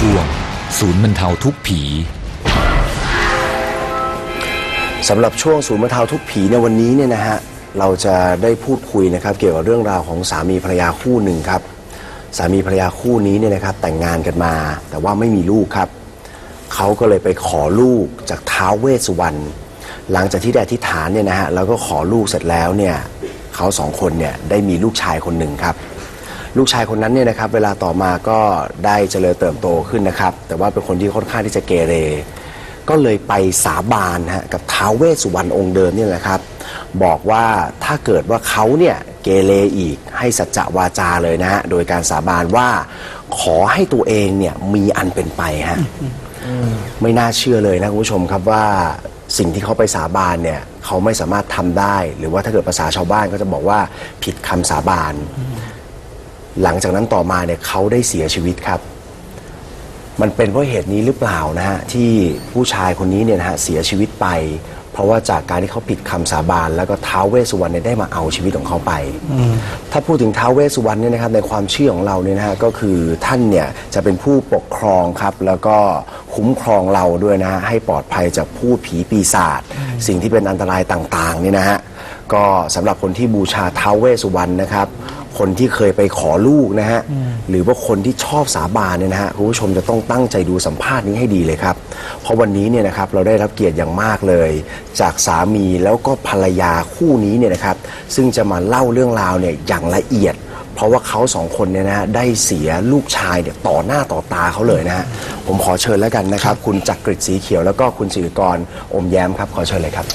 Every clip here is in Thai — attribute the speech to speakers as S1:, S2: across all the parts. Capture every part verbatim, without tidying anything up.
S1: ช่วงศูนย์บรรเทาทุกข์ผี
S2: สำหรับช่วงศูนย์บรรเทาทุกข์ผีในวันนี้เนี่ยนะฮะเราจะได้พูดคุยนะครับเกี่ยวกับเรื่องราวของสามีภรรยาคู่หนึ่งครับสามีภรรยาคู่นี้เนี่ยนะครับแต่งงานกันมาแต่ว่าไม่มีลูกครับเขาก็เลยไปขอลูกจากท้าวเวสสุวรรณหลังจากที่ได้อธิษฐานเนี่ยนะฮะแล้วก็ขอลูกเสร็จแล้วเนี่ยเขาสองคนเนี่ยได้มีลูกชายคนหนึ่งครับลูกชายคนนั้นเนี่ยนะครับเวลาต่อมาก็ได้เจริญเติบโตขึ้นนะครับแต่ว่าเป็นคนที่ค่อนข้างที่จะเกเรก็เลยไปสาบานฮะกับท้าวเวสสุวรรณองค์เดิมเนี่ยนะครับบอกว่าถ้าเกิดว่าเขาเนี่ยเกเรอีกให้สัจจวาจาเลยนะฮะโดยการสาบานว่าขอให้ตัวเองเนี่ยมีอันเป็นไปฮะไม่น่าเชื่อเลยนะคุณผู้ชมครับว่าสิ่งที่เขาไปสาบานเนี่ยเขาไม่สามารถทำได้หรือว่าถ้าเกิดภาษาชาวบ้านก็จะบอกว่าผิดคำสาบานหลังจากนั้นต่อมาเนี่ยเขาได้เสียชีวิตครับมันเป็นเพราะเหตุนี้หรือเปล่านะฮะที่ผู้ชายคนนี้เนี่ยนะฮะเสียชีวิตไปเพราะว่าจากการที่เขาผิดคำสาบานแล้วก็ท้าวเวสสุวรรณเนี่ยได้มาเอาชีวิตของเขาไปถ้าพูดถึงท้าวเวสสุวรรณเนี่ยนะครับในความเชื่อของเราเนี่ยนะฮะก็คือท่านเนี่ยจะเป็นผู้ปกครองครับแล้วก็คุ้มครองเราด้วยนะฮะให้ปลอดภัยจากผู้ผีปีศาจสิ่งที่เป็นอันตรายต่างๆเนี่ยนะฮะก็สำหรับคนที่บูชาท้าวเวสสุวรรณนะครับคนที่เคยไปขอลูกนะฮะหรือว่าคนที่ชอบสาบานเนี่ยนะฮะคุณผู้ชมจะต้องตั้งใจดูสัมภาษณ์นี้ให้ดีเลยครับเพราะวันนี้เนี่ยนะครับเราได้รับเกียรติอย่างมากเลยจากสามีแล้วก็ภรรยาคู่นี้เนี่ยนะครับซึ่งจะมาเล่าเรื่องราวเนี่ยอย่างละเอียดเพราะว่าเขาสองคนเนี่ยนะได้เสียลูกชายเนี่ยต่อหน้าต่อตาเขาเลยนะฮะผมขอเชิญแล้วกันนะครับคุณจักริดสีเขียวแล้วก็คุณศิริกรอมแย้มครับขอเชิญเลยครับ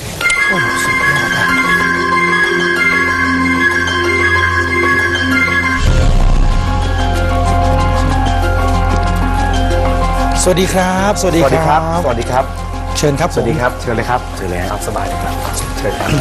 S3: สวัสดีครับสวัสดีครับ
S2: สวัสดีครับ
S3: เชิญครับ
S2: สวัสดีครับเชิญเลยครับเชิญเลยครับสบายเลยครับเชิญครับ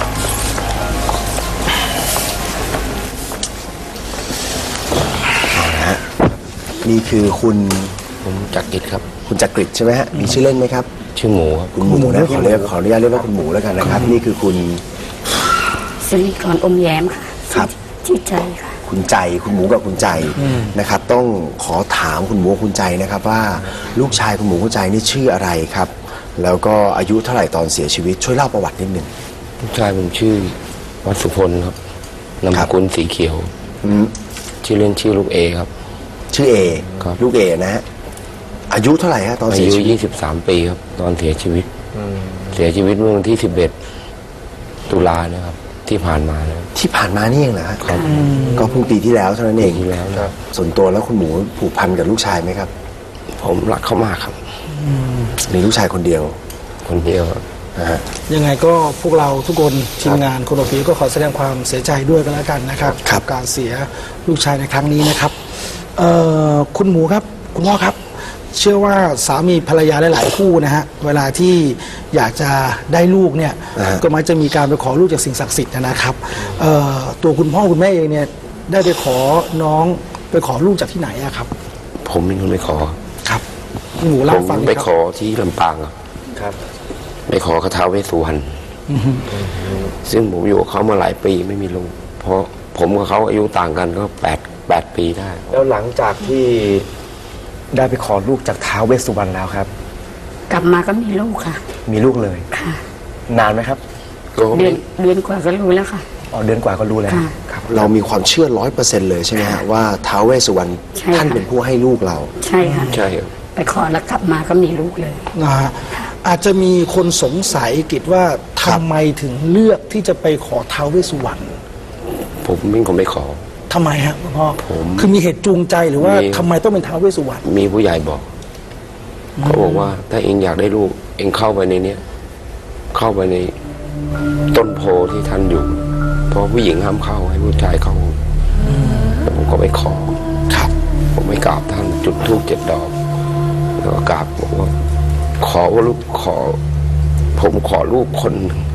S2: เอาละฮะนี่คือคุณ
S4: ผมจักริดครับ
S2: คุณจักริดใช่ไหมฮะมีชื่อเล่นไหมครับ
S4: ชื่อหมูครับ
S2: คุณหมูนะขอเรียกขออนุญาตเรียกว่าคุณหมูแล้วกันนะครับนี่คือคุณ
S5: สิริกรอมแย้มค่ะ
S2: ครับ
S5: ชื่อใจค่ะ
S2: คุณใจคุณหมูกับคุณใจนะครับต้องขอถามคุณหมูคุณใจนะครับว่าลูกชายคุณหมูคุณใจนี่ชื่ออะไรครับแล้วก็อายุเท่าไหร่ตอนเสียชีวิตช่วยเล่าประวัตินิดหนึ่ง
S4: ลูกชายผมชื่อวัดสุพลครับนามสกุลสีเขียวชื่อเล่นชื่อลูกเอครับ
S2: ชื่อเอ
S4: ครับ
S2: ลูกเอนะฮะอายุเท่าไหร่ฮะตอนเสียชีวิต
S4: อายุยี่สิบสามปีครับตอนเสียชีวิตเสียชีวิตเมื่อวันที่สิบเอ็ดตุลาเนี่ยครับที่ผ่านมานะ
S2: ที่ผ่านมานี่เองเหรอครับ
S4: ครับ
S2: ก็เพิ่งปีที่แล้วเท่านั้นเอง
S4: ที่แล้วครับ
S2: ส่วนตัวแล้วคุณหมูผูกพันกับลูกชายไหมครับ
S4: ผมรักเขามากครับ
S2: มีลูกชายคนเดียว
S4: คนเดียว
S2: นะฮะ
S3: ยังไงก็พวกเราทุกคนทีมงานคนโอฟีก็ขอแสดงความเสียใจด้วยกันแล้วกันนะครับกับการเสียลูกชายในครั้งนี้นะครับคุณหมูครับคุณพ่อครับเชื่อว่าสามีภรรยาหลายๆคู่นะฮะเวลาที่อยากจะได้ลูกเนี่ยก็มักจะมีการไปขอลูกจากสิ่งศักดิ์สิทธิ์นะครับตัวคุณพ่อคุณแม่เองเนี่ยได้ไปขอน้องไปขอลูกจากที่ไหนอะครับ
S4: ผมเป็นคนไปขอ
S3: ครับคุณหมูเล่าฟัง
S4: ผมไปขอที่ลำปางครับไปขอกระท้าวเวสสุวรรณซึ่งผมอยู่กับเขามาหลายปีไม่มีลูกเพราะผมกับเขาอายุต่างกันก็แปดแปดปีได้
S2: แล้วหลังจากที่ได้ไปขอลูกจากท้าวเวสสุวรรณแล้วครับ
S5: กลับมาก็มีลูกค่ะ
S2: มีลูกเลย
S5: ค่ะ
S2: นานไหมครับ
S5: เดือนเดือนกว่าก็รู้แล้วค่ะ
S2: อ๋อเดือนกว่าก็รู้แล้วครับเรามีความเชื่อร้อยเปอร์เซ็นต์เลยใช่ไหมฮะว่าท้าวเวสสุวรรณท่านเป็นผู้ให้ลูกเรา
S5: ใช่ค่ะ
S4: ใช่
S5: ไปขอแล้วกลับมาก็มีลูกเลย
S3: นะฮะอาจจะมีคนสงสัยกิจว่าทำไมถึงเลือกที่จะไปขอท้าวเวสสุวรรณ
S4: ผมเป็นคนไปขอ
S3: ทำไมฮะพ่อคือมีเหตุจูงใจหรือว่าทำไมต้องเป็นท้าวเวสสุวรรณ
S4: มีผู้ใหญ่บอกเขาบอกว่าถ้าเองอยากได้ลูกเองเข้าไปในเนี้ยเข้าไปในต้นโพที่ท่านอยู่เพราะผู้หญิงห้ามเข้าให้ผู้ชายเข้าผมก็ไปขอ
S3: ครับ
S4: ผมไปกราบท่านจุดธูปเจ็ดดอกแล้วก็กราบบอกว่าขอว่าลูกขอผมขอลูกคนหนึ่ง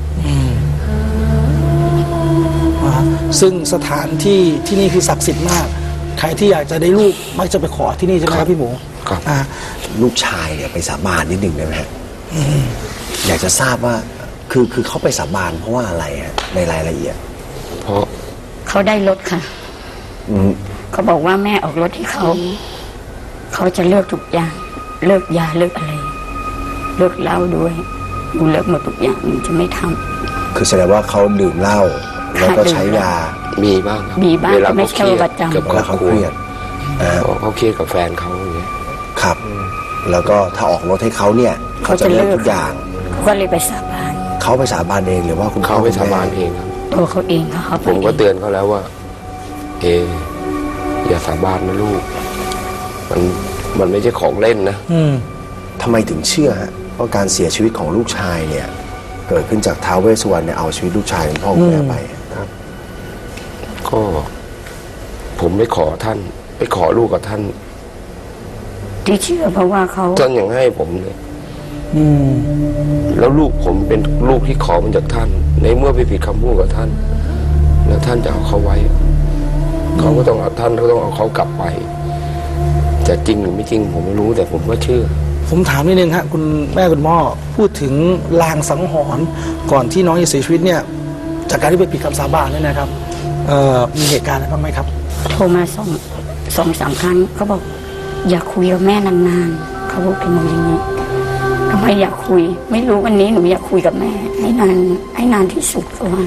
S3: ซึ่งสถานที่ที่นี่คือศักดิ์สิทธิ์มากใครที่อยากจะได้ลูกมักจะไปขอที่นี่ใช่ไหมครับพี่หมู
S4: ครับ
S2: ลูกชายเนี่ยไปสาบานนิดหนึ่งได้ไหมฮะอยากจะทราบว่าคือคือเขาไปสาบานเพราะว่าอะไรฮะในรายละเอียด
S4: เพราะ
S5: เขาได้รถค่ะเขาบอกว่าแม่ออกรถให้เขาเขาเขาจะเลิกทุกอย่าง เลิกยาเลิกอะไร เลิกเหล้าด้วยหนูเลิกหมดทุกอย่างหนูจะไม่ทำ
S2: คือแสดงว่าเขาดื่มเหล้าแล้วก็ใช้ยา
S4: มีบ้างครับ
S5: มีบ้าง
S4: เวลา
S5: แต่ไม่
S4: เขา
S5: ใช่
S4: เครียด
S5: ประจำ
S4: กับ
S2: เว
S4: ครอ
S2: ลา
S4: บ
S2: เขา
S4: ค
S2: เค
S4: รัว
S2: รียดอ่า
S4: เขาเขาเครียดกับแฟนเขาอย่างเงี้ย
S2: ครับ แล้วก็ถ้าออกรถให้เขาเนี่ยเขาจะเลิกทุกอย่าง
S5: เขาก็เลยไปสาบาน
S2: เขาไปสาบานเองหรือว่าคุณพ่
S4: เขา
S2: อ
S4: ไป
S2: คุณ
S4: สา
S2: แม่
S4: บานเองครับ
S5: ตัวเขาเองเขาเข้าไป
S4: ผมก็เตือนเขาแล้วว่า เอออย่าสาบานนะลูก มันมันไม่ใช่ของเล่นนะ
S3: อืม
S2: ทำไมถึงเชื่อฮะว่าการเสียชีวิตของลูกชายเนี่ย เกิดขึ้นจากท้าวเวสสุวรรณเนี่ยเอาชีวิตลูกชายคุณพ่อคุณแม่ไปครับ
S4: ก็ ผมไปขอท่าน ไปขอลูกกับท่าน
S5: ที่เชื่อเพราะว่าเขา
S4: ท่านยังให้ผมเลย
S3: อืม
S4: แล้วลูกผมเป็นลูกที่ขอมาจากท่าน ในเมื่อไปผิดคำพูดกับท่าน แล้วท่านจะเอาเขาไว้ เขาก็ต้องเอาท่านก็ต้องเอาเขากลับไป จะจริงหรือไม่จริง ผมไม่รู้แต่ผมก็เชื่อ
S3: ผมถามนิดนึงฮะคุณแม่คุณพ่อพูดถึงลางสังหรณ์ก่อนที่น้องจะเสียชีวิตเนี่ย จากการที่ไปผิดคำสาบานเนี่ยนะครับเอ่อมีเหตุการณ์อะไรบ้างไหมครับ
S5: โทรมาสองสองสามครั้งเขาบอก อย่าคุยกับแม่นานๆเขาบอกกับหนูอย่างนี้ทำไมอยากคุย ไม่รู้วันนี้หนูอยากคุยกับแม่ ให้นานให้นานที่สุดประมาณ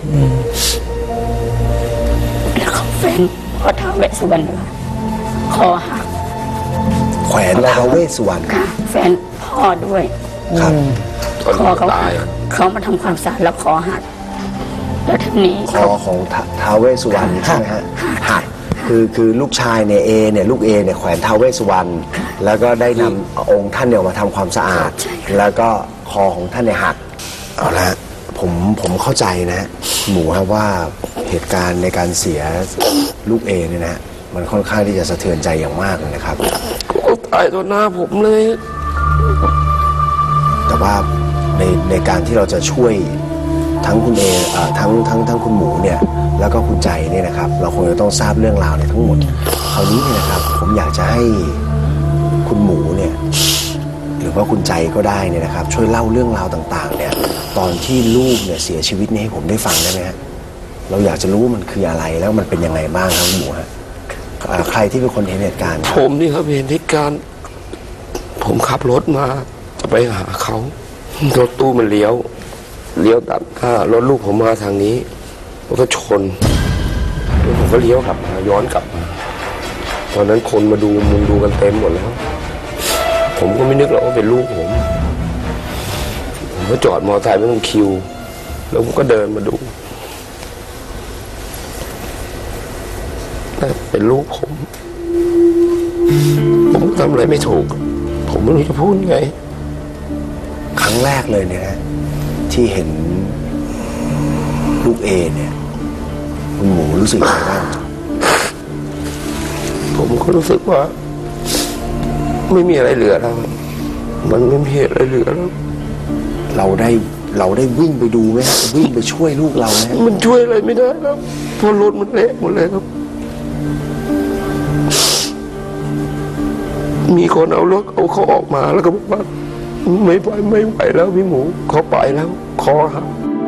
S5: แล้วเขาแฟนพอท้าวเวสสุวรรณเลยคอหัก
S2: แขวนท้าวเวสสุวรรณ
S5: ค่ะ แฟนพ่อด้วย
S2: ครับ
S4: ตอน
S5: คอ
S4: ที่
S5: เขา
S4: ตา
S5: หั
S4: ย
S5: กเขามาทำความสะอาดแล้วคอหักแล้วทีนี้
S2: คอของท้าท้าวเวสสุวรรณใช่ไหมฮะหักคือคือลูกชายเนี่ยเอเนี่ยลูกเอเนี่ยแขวนท้าวเวสสุวรรณแล้วก็ได้นำองค์ท่านเนี่ยมาทำความสะอาด แล้วก็คอของท่านเนี่ยหักเอาละฮะผมผมเข้าใจนะฮะหมูครับว่าเหตุการณ์ในการเสียลูกเอเนี่ยนะฮะมันค่อนข้างที่จะสะเทือนใจอย่างมากเลยนะครับ
S4: เขาตายต่อหน้าผมเลย
S2: แต่ว่าในในการที่เราจะช่วยทั้งคุณเอเอ่อทั้งทั้งทั้งคุณหมูเนี่ยแล้วก็คุณใจเนี่ยนะครับ เราคงจะต้องทราบเรื่องราวเนี่ยทั้งหมดคราวนี้เนี่ยนะครับ ผมอยากจะให้คุณหมูเนี่ยหรือว่าคุณใจก็ได้เนี่ยนะครับ ช่วยเล่าเรื่องราวต่างๆ เนี่ยตอนที่ลูกเนี่ยเสียชีวิตเนี่ยให้ผมได้ฟังได้ไหมฮะเราอยากจะรู้ว่ามันคืออะไรแล้วมันเป็นยังไงบ้างครับคุณหมูฮะอ่าใครที่เป็นคนเห็นเหตุการณ์ครับ
S4: ผมนี่ครับเห็นเหตุการณ์ผมขับรถมาจะไปหาเขารถตู้มันเลี้ยว เลี้ยวตัดหน้ารถลูกผมมาทางนี้แล้วก็ชนแล้วผมก็เลี้ยวกลับมาย้อนกลับมาตอนนั้นคนมาดูมุงดูกันเต็มหมดแล้ว ผมก็ไม่นึกหรอกว่าเป็นลูกผม ผมก็จอดมอเตอร์ไซค์ไม่ต้องคิว แล้วผมก็เดินมาดูแต่เป็นลูกผม ผมทำอะไรไม่ถูก ผมไม่รู้จะพูดยังไง
S2: ครั้งแรกเลยเนี่ยนะที่เห็นลูกเอเนี่ยคุณหมูรู้สึกยังไงบ้าง
S4: ผมก็รู้สึกว่า ไม่มีอะไรเหลือแล้ว มันไม่มีอะไรเหลือแล้ว
S2: เราได้เราได้วิ่งไปดูไหมฮะวิ่งไปช่วยลูกเราไหมฮะ
S4: มันช่วยอะไรไม่ได้แล้วเพราะรถมันเละหมดเลยครับ มีคนเอารถเอาเขาออกมาแล้วก็บอกว่าไม่ไหวไม่ไหวแล้วพี่หมูเขาไปแล้วคอหัก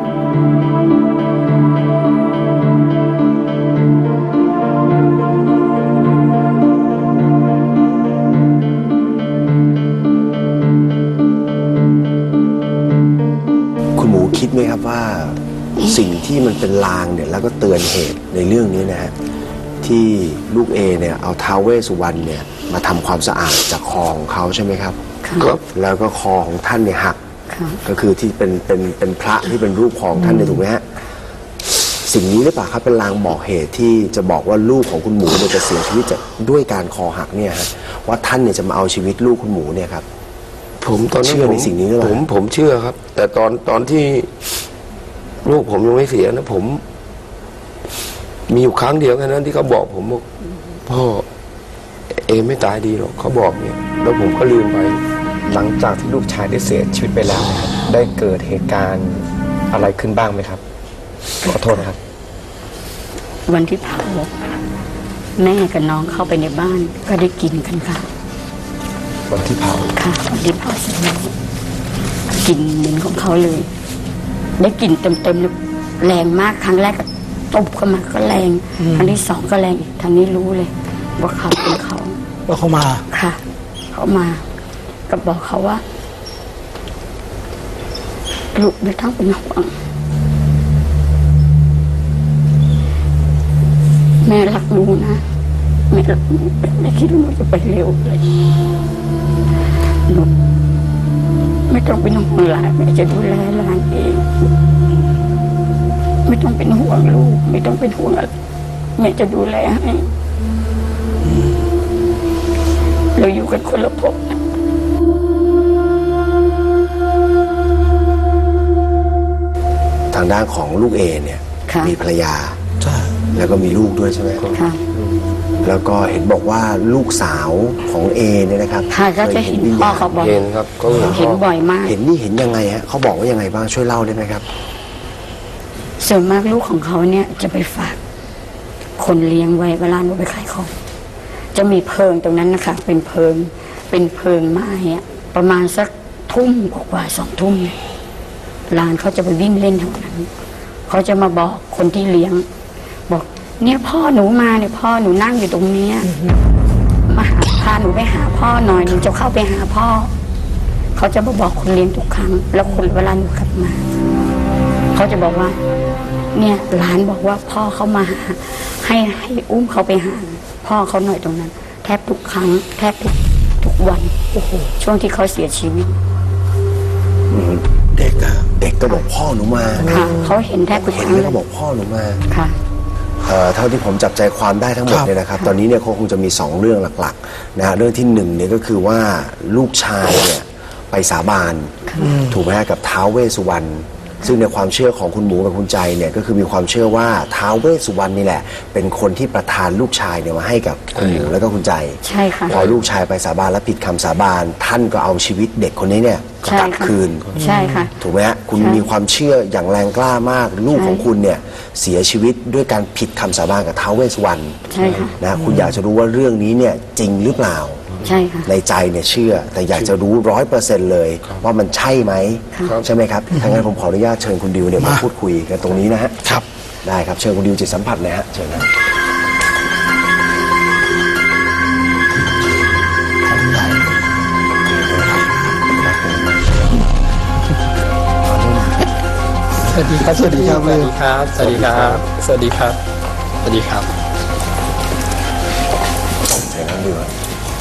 S2: คุณหมูคิดไหมครับว่าสิ่งที่มันเป็นลางเนี่ยแล้วก็เตือนเหตุในเรื่องนี้นะฮะที่ลูกเอเนี่ยเอาท้าวเวสสุวรรณเนี่ยมาทำความสะอาดจากคอของเขาใช่ไหมครับ
S5: ค่ะ
S4: ครับ
S2: แล้วก็คอของท่านเนี่ยหัก
S5: ค่ะ
S2: ก็คือที่เป็นเป็นเป็นพระที่เป็นรูปของท่านเนี่ยถูกไหมฮะสิ่งนี้หรือเปล่าครับเป็นลางบอกเหตุที่จะบอกว่าลูกของคุณหมูเนี่ยจะเสียชีวิตจากด้วยการคอหักเนี่ยฮะว่าท่านเนี่ยจะมาเอาชีวิตลูกคุณหมูเนี่ยครับ
S4: ผมตอนนั้น
S2: เชื่อใน
S4: ผม
S2: สิ่งนี้หรือเปล่า
S4: ผมผมเชื่อครับ แต่ตอนตอนที่ลูกผมยังไม่เสียนะผม มีอยู่ครั้งเดียวแค่นั้นที่เขาบอกผมบอกพ่อเอไม่ตายดีหรอกเขาบอกเนี่ย แล้วผมก็ลืมไป
S6: หลังจากที่ลูกชายได้เสียชีวิตไปแล้วนะครับได้เกิดเหตุการณ์อะไรขึ้นบ้างไหมครับ ขอโทษนะครับ
S5: วันที่เผาแม่กับน้องเข้าไปในบ้านก็ได้กินกันค่ะ
S6: วันที่เผา
S5: ค่ะวันที่เผาเสร็จแล้วกลินเหม็นของเขาเลย ได้กลิ่นเต็มๆเลยแรงมากครั้งแรกก็ตบเข้ามาก็แรงครั้งที่สองก็แรงอีกทางนี้รู้เลย ว่าเขาเป็นเขา
S3: ว่าเขามา
S5: ค่ะ เขามาก็บอกเขาว่าลูกไม่ต้องเป็นห่วงแม่รักหนูนะแม่รักหนูไม่คิดว่าหนูจะไปเร็วเลยหนูไม่ต้องเป็นห่วงหลานแม่จะดูแลหลานเองไม่ต้องเป็นห่วงลูกไม่ต้องเป็นห่วงอะไรแม่จะดูแลให้เราอยู่กันคนละภพนะ
S2: ทางด้านของลูกเอเนี่ย
S5: ค่ะ
S2: มีภรรยา
S3: ใช่
S2: แล้วก็มีลูกด้วยใช่ไหม
S5: ค่ะ
S2: แล้วก็เห็นบอกว่าลูกสาวของเอเนี่ยนะครับ
S5: ค่ะก็จะเห็นพ่อเขาบอก
S4: เห็นครับก็เห็น
S5: เห็นบ่อยมาก
S2: เห็นนี่เห็นยังไงฮะเขาบอกว่ายังไงบ้างช่วยเล่าได้ไหมครับ
S5: ส่วนมากลูกของเขาเนี่ยจะไปฝากคนเลี้ยงไว้เวลาหนูไปขายของจะมีเพิงตรงนั้นนะคะเป็นเพิงเป็นเพิงไม้อะประมาณสักทุ่มกว่าๆสองทุ่มเนี่ยหลานเขาจะไปวิ่งเล่นแถวนั้นเขาจะมาบอกคนที่เลี้ยง บอกเนี่ยพ่อหนูมาเนี่ยพ่อหนูนั่งอยู่ตรงเนี้ยมาหาพาหนูไปหาพ่อหน่อยหนูจะเข้าไปหาพ่อเขาจะมาบอกคนเลี้ยงทุกครั้ง แล้วคนเวลาหนูกลับมาเขาจะบอกว่า เนี่ยหลานบอกว่าพ่อเขามาหาให้ให้อุ้มเขาไปหาพ่อเขาหน่อยตรงนั้น แทบทุกครั้ง แทบทุกทุกวันโอ้โหช่วงที่เขาเสียชีวิต
S2: เด็กอะเด็กก็บอกพ่อหนูมา
S5: ค่ะเขาเห็นแทบทุก
S2: เห็
S5: คน รั้ง
S2: ไหม
S5: เล
S2: เขา
S5: ย
S2: บอกพ่อหนูมา
S5: ค่ะ
S2: เอ่อเท่าที่ผมจับใจความได้ทั้งหมด
S3: ครับ
S2: เนี่ยนะครับ ตอนนี้เนี่ยเขาคงจะมีสองเรื่องหลักๆนะฮะเรื่องที่หนึ่งเนี่ยก็คือว่าลูกชายเนี่ยไปสาบานถูกไหมฮะกับท้าวเวสสุวรรณซึ่งในความเชื่อของคุณหมูกับคุณใจเนี่ยก็คือมีความเชื่อว่าท้าวเวสสุวรรณนี่แหละ เป็นคนที่ประทานลูกชายเนี่ยมาให้กับคุณหมูแล้วก็คุณใจ
S5: ใช่ค่ะ
S2: พอลูกชายไปสาบานและผิดคำสาบานท่านก็เอาชีวิตเด็กคนนี้เนี่ย
S5: ใช่
S2: กลับ
S5: ค่ะ
S2: คืน
S5: ใช่ค่ะ
S2: ถูกไหมฮะคุณ
S5: ใช่
S2: มีความเชื่ออย่างแรงกล้ามาก ลูก
S5: ใช่
S2: ของคุณเนี่ยเสียชีวิตด้วยการผิดคำสาบานกับท้าวเวสสุวรรณ
S5: ใช่ค่ะ
S2: นะคุณอยากจะรู้ว่าเรื่องนี้เนี่ยจริงหรือเปล่า
S5: ใช่ค่ะ
S2: ในใจเนี่ยเชื่อ แต่อยากจะรู้ร้อยเปอร์เซ็นต์เลย ว่ามันใช่ไหม
S5: ครับ
S2: ใช่ไหมครับถ้างั้นผมขออนุญาตเชิญคุณดิวเนี่ยมาพูดคุยกันตรงนี้นะฮะ
S3: ครับ
S2: ได้ครับเชิญคุณดิวจิตสัมผัสเลยฮะเชิญนะ
S7: สวัสดีครับ สวัสดีครับ สวัสดีครับ สวัสดีครับ สวัสดีครับ สวัสดีครับ
S2: เชิญครับดิวฮะ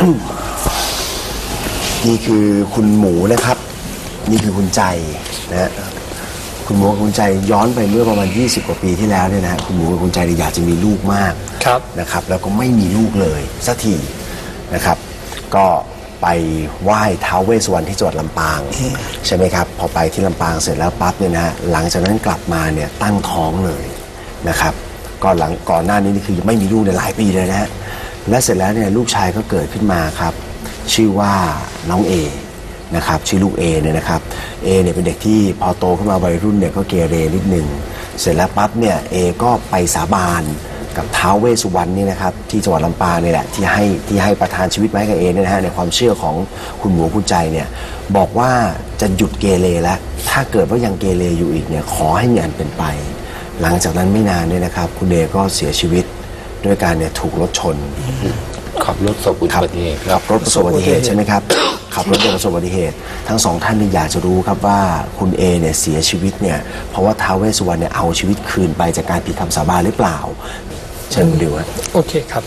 S2: นี่คือคุณหมูนะครับ นี่คือคุณใจนะฮะคุณหมูกับคุณใจย้อนไปเมื่อประมาณยี่สิบกว่าปีที่แล้วเนี่ยนะฮะคุณหมูกับคุณใจเนี่ยอยากจะมีลูกมาก
S7: ครับ
S2: นะครับแล้วก็ไม่มีลูกเลยสักทีนะครับ ก็ไปไหว้ท้าวเวสสุวรรณที่จังหวัดลำปางใช่ไหมครับพอไปที่ลำปางเสร็จแล้วปั๊บเนี่ยนะฮะหลังจากนั้นกลับมาเนี่ยตั้งท้องเลยนะครับก็หลังก่อนหน้านี้นี่คือไม่มีลูกในหลายปีเลยนะฮะและเสร็จแล้วเนี่ยลูกชายก็เกิดขึ้นมาครับชื่อว่าน้องเอนะครับชื่อลูกเอเนี่ยนะครับเอเนี่ยเป็นเด็กที่พอโตขึ้นมาวัยรุ่นเนี่ยก็เกเรนิดนึงเสร็จแล้วปั๊บเนี่ยเอก็ไปสาบานกับท้าวเวสสุวรรณนี่นะครับที่จังหวัดลำปางนี่แหละที่ให้ที่ให้ประทานชีวิตไว้กับเอเนี่ยนะฮะในความเชื่อของคุณหมูคุณใจเนี่ยบอกว่าจะหยุดเกเรแล้วถ้าเกิดว่ายังเกเรอยู่อีกเนี่ยขอให้มีอันเป็นไป หลังจากนั้นไม่นานเนี่ยนะครับคุณเอก็เสียชีวิตด้วยการเนี่ยถูกรถชน
S4: ขับรถประสบอุบัติเหตุค
S2: ขั
S4: รับบ
S2: รถประสบอุบัติเหตุใช่ไหมครับ ขับรถประสบอุบัติเหตุ ทั้งสองท่านนี่อยากจะรู้ครับว่าคุณเอเนี่ยเสียชีวิตเนี่ยเพราะว่าท้าวเวสสุวรรณเนี่ยเอาชีวิตคืนไปจากการผิดคำสาบานหรือเปล่าเชิญคุณดิวฮะ
S7: โอเคครับ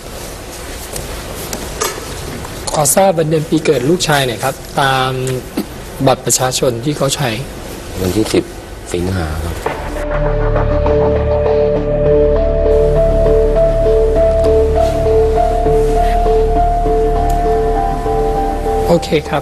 S7: ขอทราบวันเดือนปีเกิดลูกชายหน่อยครับ ตามบัตรประชาชนที่เขาใช้
S4: วันที่สิบสิงหาครับ
S7: โอเคครับ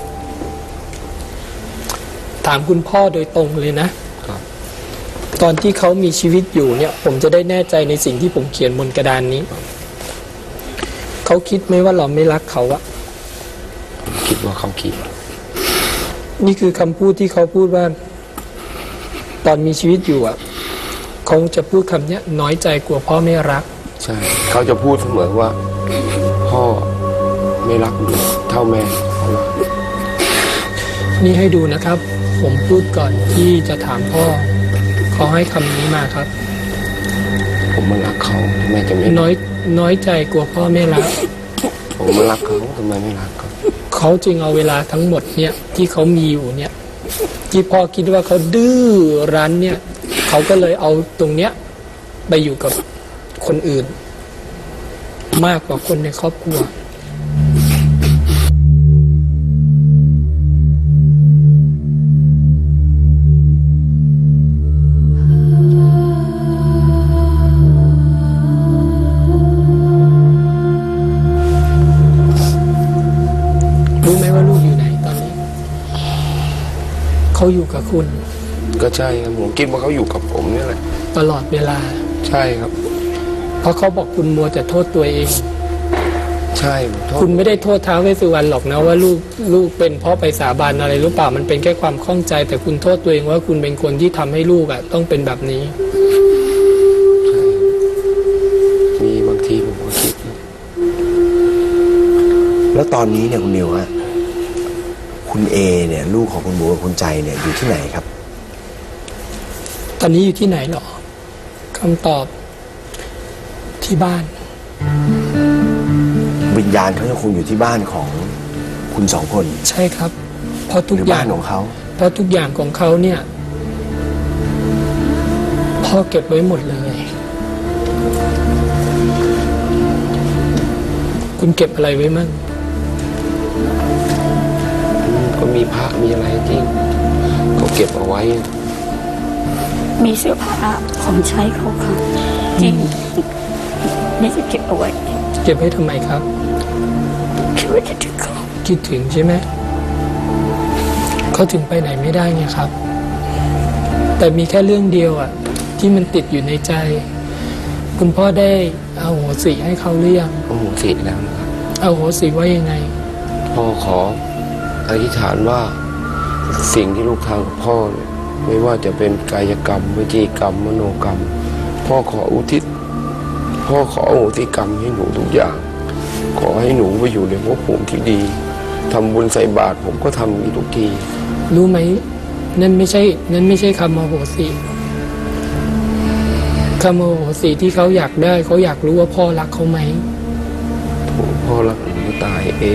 S7: ถามคุณพ่อโดยตรงเลยนะ
S4: ครับ
S7: ตอนที่เขามีชีวิตอยู่เนี่ย ผมจะได้แน่ใจในสิ่งที่ผมเขียนบนกระดานนี้ เขาคิดไหมว่าเราไม่รักเขาอะ
S4: คิดว่าเขาคิด
S7: นี่คือคำพูดที่เขาพูดว่า ตอนมีชีวิตอยู่อะเขาจะพูดคำเนี้ย น้อยใจกลัวพ่อไม่รัก
S4: ใช่ เขาจะพูดเสมอว่า พ่อไม่รักหนูเท่าแม่เขารัก
S7: นี่ให้ดูนะครับ ผมพูดก่อนที่จะถามพ่อเขาให้คำนี้มาครับ
S4: ผมมันรักเขาแม่จะไม่
S7: น้อยน้อยใจกลัวพ่อไม่รัก
S4: ผผมรักเขาทำไมไม่รักเขา
S7: เขาจึงเอาเวลาทั้งหมดเนี่ยที่เขามีอยู่เนี่ยที่พ่อคิดว่าเขาดื้อรั้นเนี่ยเขาก็เลยเอาตรงเนี้ยไปอยู่กับคนอื่น มากกว่าคนในครอบครัวรู้ไหมว่าลูกอยู่ไหนตอนนี้เขาอยู่กับคุณ
S4: ก็ใช่ครับผมคิดว่าเขาอยู่กับผมนี่แหละ
S7: ตลอดเวลา
S4: ใช่ครับ
S7: เพราะเขาบอกคุณมัวแต่โทษตัวเอง
S4: ใช่ผมโทษ
S7: คุณไม่ได้โทษท้าวเวสสุวรรณหรอกนะว่าลูกลูกเป็นเพราะไปสาบานอะไรหรือเปล่ามันเป็นแค่ความข้องใจ แต่คุณโทษตัวเองว่าคุณเป็นคนที่ทำให้ลูกอ่ะต้องเป็นแบบนี้
S4: มีบางทีผมก็คิด
S2: แล้วตอนนี้เนี่ยคุณนิวฮะคุณเอเนี่ยลูกของคุณหมูกับคุณใจเนี่ยอยู่ที่ไหนครับ
S7: ตอนนี้อยู่ที่ไหนหรอคำตอบที่บ้าน
S2: วิญญาณเขาจะคงอยู่ที่บ้านของคุณสองคน
S7: ใช่ครับ เพราะทุก
S2: หรือ
S7: อย่า
S2: บ้าง นของเขา
S7: เพราะทุกอย่างของเขาเนี่ยพ่อเก็บไว้หมดเลย คุณเก็บอะไรไว้มั่ง
S4: ก็มีพระมีอะไรที่เขาเก็บเอาไว้
S5: มีเสื้อผ้าของใช้เขาค่ะจริงนี่จะเก็บเอาไว้
S7: เก็บไว้ทำไมครับ
S5: คิดว่าคิดถึงเขา
S7: คิดถึงใช่ไหมเขาถึงไปไหนไม่ได้ไงครับ แต่มีแค่เรื่องเดียวอ่ะที่มันติดอยู่ในใจ คุณพ่อได้เอาโหสิให้เขาหรือยัง
S4: โอ้โหสิแล้วนะครับ
S7: เอาโหสิว่ายังไง
S4: พ่อขออธิษฐานว่าสิ่งที่ลูกทำกับพ่อเนี่ยไม่ว่าจะเป็นกายกรรมวิจีกรรมมโนกรรม พ่อขออุทิศพ่อขออโหสิกรรมให้หนูทุกอย่าง ขอให้หนูไปอยู่ในภพภูมิที่ดีทำบุญใส่บาตรผมก็ทำนี้ทุกที
S7: รู้ไหมนั่นไม่ใช่นั่นไม่ใช่คำอโหสิคำอโหสิที่เขาอยากได้เขาอยากรู้ว่าพ่อรักเขาไหม
S4: พ่อรักหนูตายเอง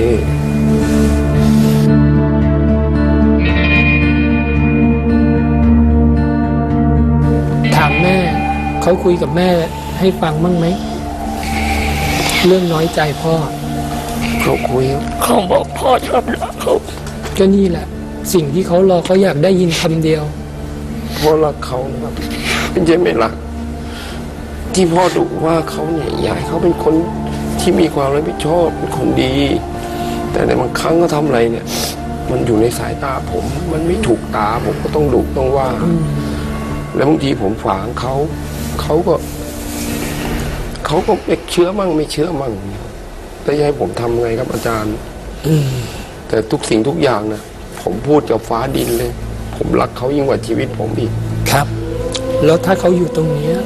S7: ถามแม่เขาคุยกับแม่ให้ฟังบ้างไหมเรื่องน้อยใจพ่อ
S4: เขาคุยครับ
S5: เขาบอกพ่อชอบรักเขา
S7: ก็นี่แหละ สิ่งที่เขารอเขาอยากได้ยินคำเดียว
S4: พ่อรักเขานะครับไม่ใช่ไม่รัก ที่พ่อดุว่าเขาเนี่ยอยากให้เขาเป็นคนที่มีความรับผิดชอบเป็นคนดี แต่ในบางครั้งก็ทำอะไรเนี่ย มันอยู่ในสายตาผม มันไม่ถูกตาผมก็ต้องดุต้องว่า แล้วบางทีผมฝางเขาเขาก็เขาก็ไม่เชื่อมั่งไม่เชื่อมั่งแต่จะให้ผมทำไงครับอาจารย์แต่ทุกสิ่งทุกอย่างนะผมพูดกับฟ้าดินเลย ผมรักเขายิ่งกว่าชีวิตผมอีก
S7: ครับ แล้วถ้าเขาอยู่ตรงนี้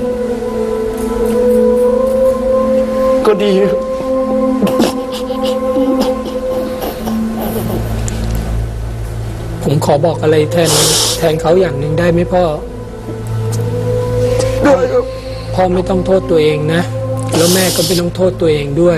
S4: ก็ดี
S7: ผมขอบอกอะไรแทนแทนเขาอย่างหนึ่งได้ไหมพ่อ
S4: ได้ครับ
S7: พ่อไม่ต้องโทษตัวเองนะ แล้วแม่ก็ไม่ต้องโทษตัวเองด้วย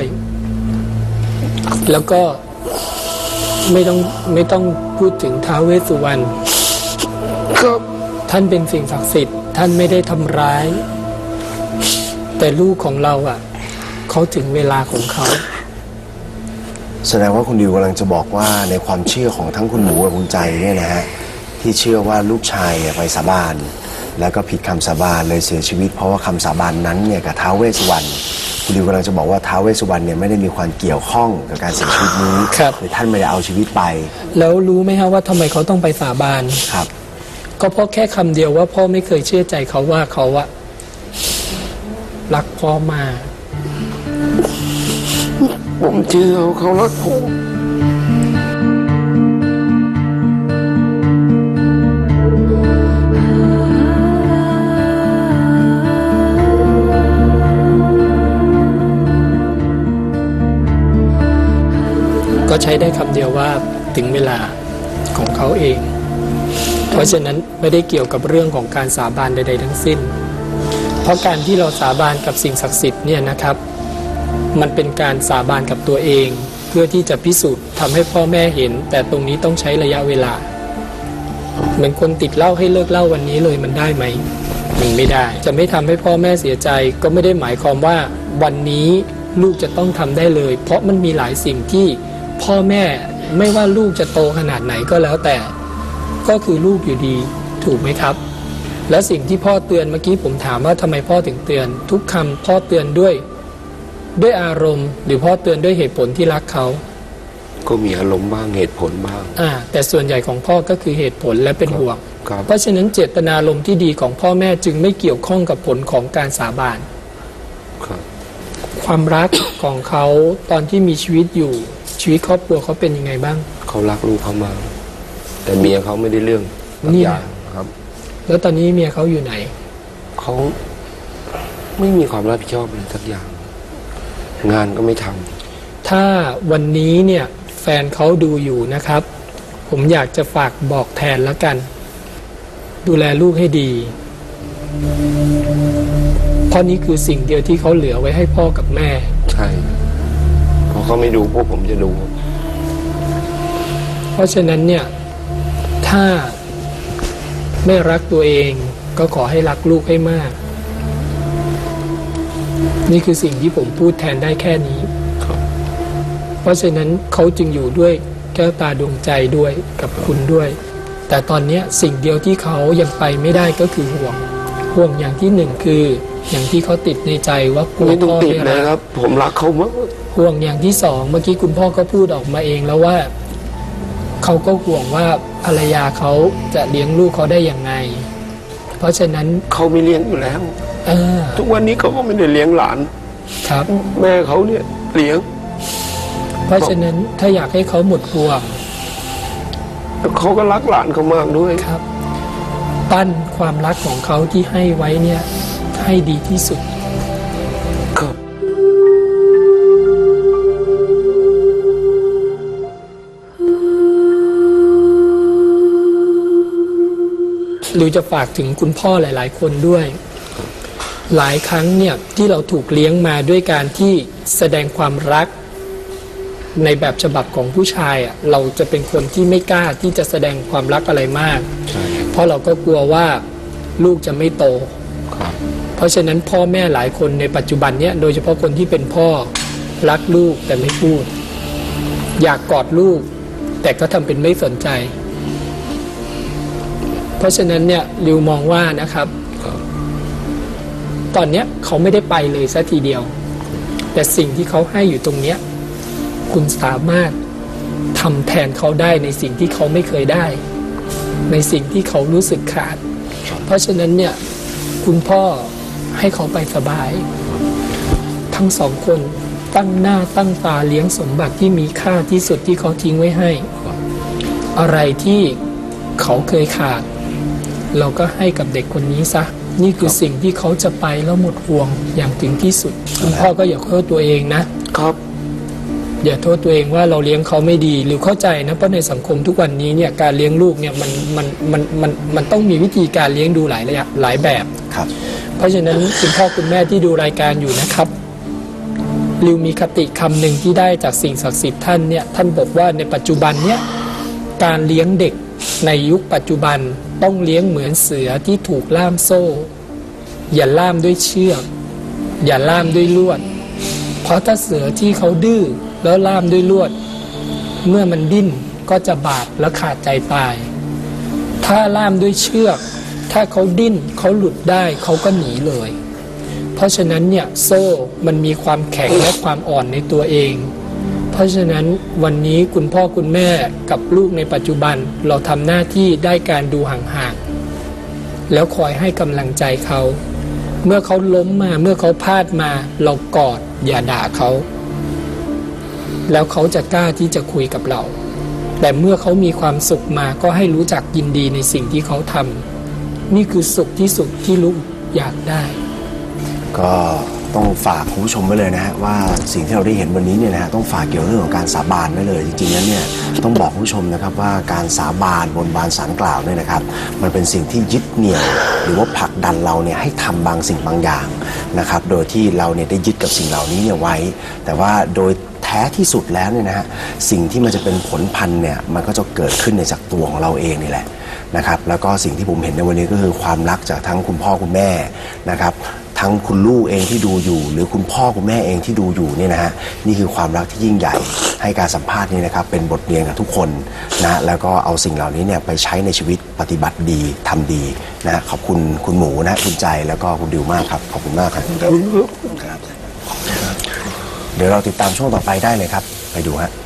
S7: แล้วก็ไม่ต้องไม่ต้องพูดถึงท้าวเวสสุวรรณ
S4: ครับ
S7: ท่านเป็นสิ่งศักดิ์สิทธิ์ท่านไม่ได้ทำร้าย แต่ลูกของเราอ่ะเขาถึงเวลาของเขา
S2: แสดงว่าคุณดิวกำลังจะบอกว่าในความเชื่อของทั้งคุณหมูกับคุณใจเนี่ยนะฮะที่เชื่อว่าลูกชายไปสาบานแล้วก็ผิดคำสาบานเลยเสียชีวิตเพราะว่าคำสาบานนั้นเนี่ยกับท้าวเวสสุวรรณคุณดิวกำลังจะบอกว่าท้าวเวสสุวรรณเนี่ยไม่ได้มีความเกี่ยวข้องกับการเสียชีวิตนี้
S7: ครับ
S2: หรือท่านไม่ได้เอาชีวิตไป
S7: แล้วรู้ไหมฮะว่าทำไมเขาต้องไปสาบาน
S2: ครับ
S7: ก็เพราะแค่คำเดียวว่าพ่อไม่เคยเชื่อใจเขาว่าเขาอะรักพ่อมาก
S4: ผมเชื่อเขารักผม
S7: ก็ใช้ได้คำเดียวว่าถึงเวลาของเขาเอง เพราะฉะนั้นไม่ได้เกี่ยวกับเรื่องของการสาบานใดๆทั้งสิ้น เพราะการที่เราสาบานกับสิ่งศักดิ์สิทธิ์เนี่ยนะครับมันเป็นการสาบานกับตัวเอง เพื่อที่จะพิสูจน์ทำให้พ่อแม่เห็น แต่ตรงนี้ต้องใช้ระยะเวลา เหมือนคนติดเหล้าให้เลิกเหล้าวันนี้เลยมันได้ไหมมันไม่ได้ จะไม่ทำให้พ่อแม่เสียใจก็ไม่ได้หมายความว่าวันนี้ลูกจะต้องทำได้เลย เพราะมันมีหลายสิ่งที่พ่อแม่ไม่ว่าลูกจะโตขนาดไหนก็แล้วแต่ก็คือลูกอยู่ดีถูกไหมครับ และสิ่งที่พ่อเตือนเมื่อกี้ผมถามว่าทำไมพ่อถึงเตือน ทุกคำพ่อเตือนด้วยด้วยอารมณ์หรือพ่อเตือนด้วยเหตุผลที่รักเขา
S4: ก็มีอารมณ์บ้างเหตุผลบ้าง
S7: อ่าแต่ส่วนใหญ่ของพ่อก็คือเหตุผลและเป็นห่วง
S4: เพ
S7: เพราะฉะนั้นเจตนารมณ์ที่ดีของพ่อแม่จึงไม่เกี่ยวข้องกับผลของการสาบานความรักของเขาตอนที่มีชีวิตอยู่ชีวิตครอบครัวเขาเป็นยังไงบ้าง
S4: เขารักลูกเขามากแต่เมียเขาไม่ได้เรื่อง
S7: นี่
S4: ครับ
S7: แล้วตอนนี้เมียเขาอยู่ไหน
S4: เขาไม่มีความรับผิดชอบเลยสักอย่างงานก็ไม่ทำ
S7: ถ้าวันนี้เนี่ยแฟนเขาดูอยู่นะครับผมอยากจะฝากบอกแทนแล้วกันดูแลลูกให้ดีเพราะนี้คือสิ่งเดียวที่เขาเหลือไว้ให้พ่อกับแม่
S4: ใช่พอเขาไม่ดูพวกผมจะดู
S7: เพราะฉะนั้นเนี่ยถ้าไม่รักตัวเองก็ขอให้รักลูกให้มากนี่คือสิ่งที่ผมพูดแทนได้แค่นี้เพราะฉะนั้นเขาจึงอยู่ด้วยแก้วตาดวงใจด้วยกับคุณด้วยแต่ตอนนี้สิ่งเดียวที่เขายังไปไม่ได้ก็คือห่วงห่วงอย่างที่หนึ่งคืออย่างที่เขาติดในใจว่ากลัวพ่อไม่รัก
S4: ครับผมรักเขามาก
S7: ห่วงอย่างที่สองเมื่อกี้คุณพ่อก็พูดออกมาเองแล้วว่าเขาก็ห่วงว่าภรรยาเขาจะเลี้ยงลูกเขาได้อย่างไงเพราะฉะนั้น
S4: เขาไม่เลี้ยงอยู่แล้วทุกวันนี้เขาก็ไม่ได้เลี้ยงหลาน
S7: ครับ
S4: แม่เขาเนี่ยเลี้ยง
S7: เพราะฉะนั้นถ้าอยากให้เขาหมดห่วง
S4: เขาก็รักหลานเขามากด้วย
S7: ครับปั้นความรักของเขาที่ให้ไว้เนี่ยให้ดีที่สุด
S4: ครับ
S7: หรือจะฝากถึงคุณพ่อหลายๆคนด้วยหลายครั้งเนี่ยที่เราถูกเลี้ยงมาด้วยการที่แสดงความรักในแบบฉบับของผู้ชายอ่ะเราจะเป็นคนที่ไม่กล้าที่จะแสดงความรักอะไรมากเพราะเราก็กลัวว่าลูกจะไม่โตเพราะฉะนั้นพ่อแม่หลายคนในปัจจุบันเนี้ยโดยเฉพาะคนที่เป็นพ่อรักลูกแต่ไม่พูดอยากกอดลูกแต่ก็ทำเป็นไม่สนใจเพราะฉะนั้นเนี่ยริวมองว่านะครับตอนเนี้ยเขาไม่ได้ไปเลยซะทีเดียวแต่สิ่งที่เขาให้อยู่ตรงเนี้ยคุณสามารถทำแทนเขาได้ในสิ่งที่เขาไม่เคยได้ในสิ่งที่เขารู้สึกขาดเพราะฉะนั้นเนี่ยคุณพ่อให้เขาไปสบายทั้งสองคนตั้งหน้าตั้งตาเลี้ยงสมบัติที่มีค่าที่สุดที่เขาทิ้งไว้ให้อะไรที่เขาเคยขาดเราก็ให้กับเด็กคนนี้ซะนี่คือสิ่งที่เขาจะไปแล้วหมดห่วงอย่างถึงที่สุดคุณพ่อก็อย่าโทษตัวเองนะครับอย่าโทษตัวเองว่าเราเลี้ยงเขาไม่ดีหรือเข้าใจนะเพราะในสังคมทุกวันนี้เนี่ยการเลี้ยงลูกเนี่ยมันมันมันมันมันต้องมีวิธีการเลี้ยงดูหลายระยะหลายแบบ
S2: ครับ
S7: เพราะฉะนั้นคุณพ่อคุณแม่ที่ดูรายการอยู่นะครับริวมีคติคำหนึ่งที่ได้จากสิ่งศักดิ์สิทธิ์ท่านเนี่ยท่านบอกว่าในปัจจุบันเนี่ยการเลี้ยงเด็กในยุคปัจจุบันต้องเลี้ยงเหมือนเสือที่ถูกล่ามโซ่อย่าล่ามด้วยเชือกอย่าล่ามด้วยลวดเพราะถ้าเสือที่เขาดื้อแล้วล่ามด้วยลวดเมื่อมันดิ้นก็จะบาดและขาดใจตายถ้าล่ามด้วยเชือกถ้าเขาดิ้นเขาหลุดได้เขาก็หนีเลยเพราะฉะนั้นเนี่ยโซ่มันมีความแข็งและความอ่อนในตัวเองเพราะฉะนั้นวันนี้คุณพ่อคุณแม่กับลูกในปัจจุบันเราทำหน้าที่ได้การดูห่างๆแล้วคอยให้กำลังใจเขาเมื่อเขาล้มมาเมื่อเขาพลาดมาเรากอดอย่าด่าเขาแล้วเขาจะกล้าที่จะคุยกับเราแต่เมื่อเขามีความสุขมาก็ให้รู้จักยินดีในสิ่งที่เขาทำนี่คือสุขที่สุดที่ลูกอยากได้
S2: ก็ต้องฝากคุณผู้ชมไว้เลยนะฮะว่าสิ่งที่เราได้เห็นวันนี้เนี่ยนะฮะต้องฝากเกี่ยวเรื่องของการสาบานไว้เลยจริงๆแล้วเนี่ยต้องบอกคุณผู้ชมนะครับว่าการสาบานบนบานศาลกล่าวเนี่ยนะครับมันเป็นสิ่งที่ยึดเหนี่ยวหรือว่าผลักดันเราเนี่ยให้ทำบางสิ่งบางอย่างนะครับโดยที่เราเนี่ยได้ยึดกับสิ่งเหล่านี้เนี่ยไว้แต่ว่าโดยแท้ที่สุดแล้วเนี่ยนะฮะสิ่งที่มันจะเป็นผลพันธุ์เนี่ยมันก็จะเกิดขึ้นในจากตัวของเราเองนี่แหละนะครับแล้วก็สิ่งที่ผมเห็นในวันนี้ก็คือความรักจากทั้งคุณพ่อคุณแม่นะครับทั้งคุณลูกเองที่ดูอยู่หรือคุณพ่อคุณแม่เองที่ดูอยู่เนี่ยนะฮะนี่คือความรักที่ยิ่งใหญ่ให้การสัมภาษณ์นี้นะครับเป็นบทเรียนกับทุกคนนะแล้วก็เอาสิ่งเหล่านี้เนี่ยไปใช้ในชีวิตปฏิบัติดีทำดีนะขอบคุณคุณหมูนะคุณใจแล้วก็คุณดิวมากครับขอบคุณมากครับเดี๋ยวเราติดตามช่วงต่อไปได้เลยครับไปดูฮะ